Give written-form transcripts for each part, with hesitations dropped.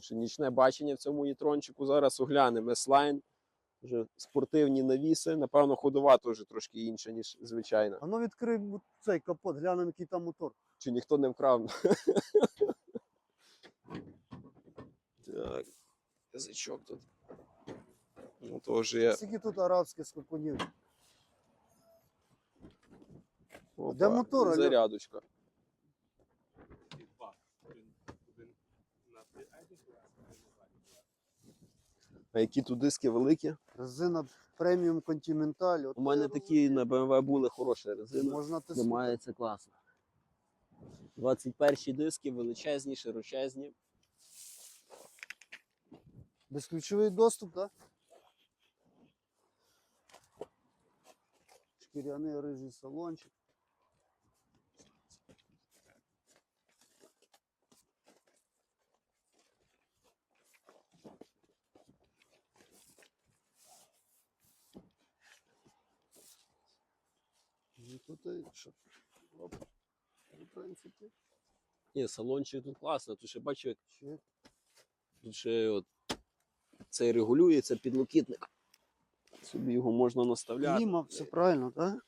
Ще нічне бачення в цьому єтрончику. Зараз оглянемо S-Line. Вже спортивні навіси. Напевно, ходова теж трошки інша, ніж звичайна. А ну відкрий цей капот, глянемо, який там мотор. Чи ніхто не вкрав? Так, язичок тут. Ну, то вже є. Скільки тут арабських скакунів? Опа, Де мотор, Альо? зарядочка. А які тут диски великі? Резина преміум Continental. У мене такі на BMW були хороші резини. Можна тиснути. Тримається класно. 21 диски, величезні, широчезні. Безключовий доступ, так? Шкіряний рижий салончик. І тут що? Оп. В принципі. Ні, салончик тут класно. Тут ще бачу, як Чек. тут ще от цей регулюється підлокітник. Собі його можна наставляти. Кліма, все правильно, так?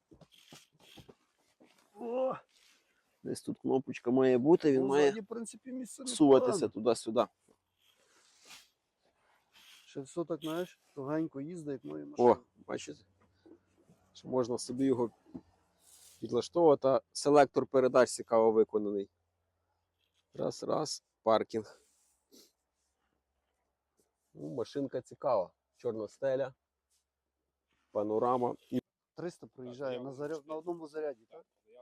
О! Десь тут кнопочка має бути, він має В принципі, місце всуватися туди-сюди. Ще все так, знаєш, тугенько їздить, як мої машини. О, бачите? Що можна собі його підлаштовувати. Селектор передач цікаво виконаний. Раз, паркінг. Ну, машинка цікава. Чорна стеля, панорама. 300 проїжджає на одному заряді, так?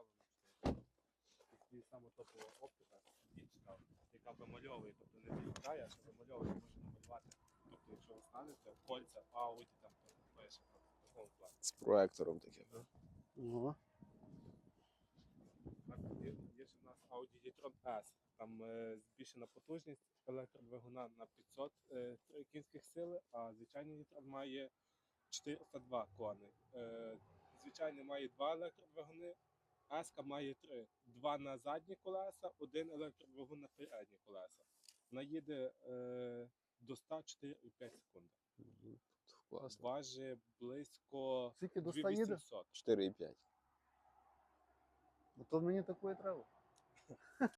І саме топова оптика, яка вимальовує, тобто не відкидає, а що вимальовує, може намалювати. Тобто, якщо ви станете, кольця, Audi, там, то пише в такому плані. З проектором таким. Ого. Так, є ще в нас Audi e-tron S. Там збільшена потужність електродвигуна на 500 кінських сили, а звичайний e-tron має 402 коней. Звичайний має 2 електродвигуни, S має 3. 2 на задні колеса, 1 електродвигун на передні колеса. Вона їде до 100 4,5 секунди. Класно. Важить близько Скільки до 100 їде? 2800. 4,5. Бо то мені такої треба.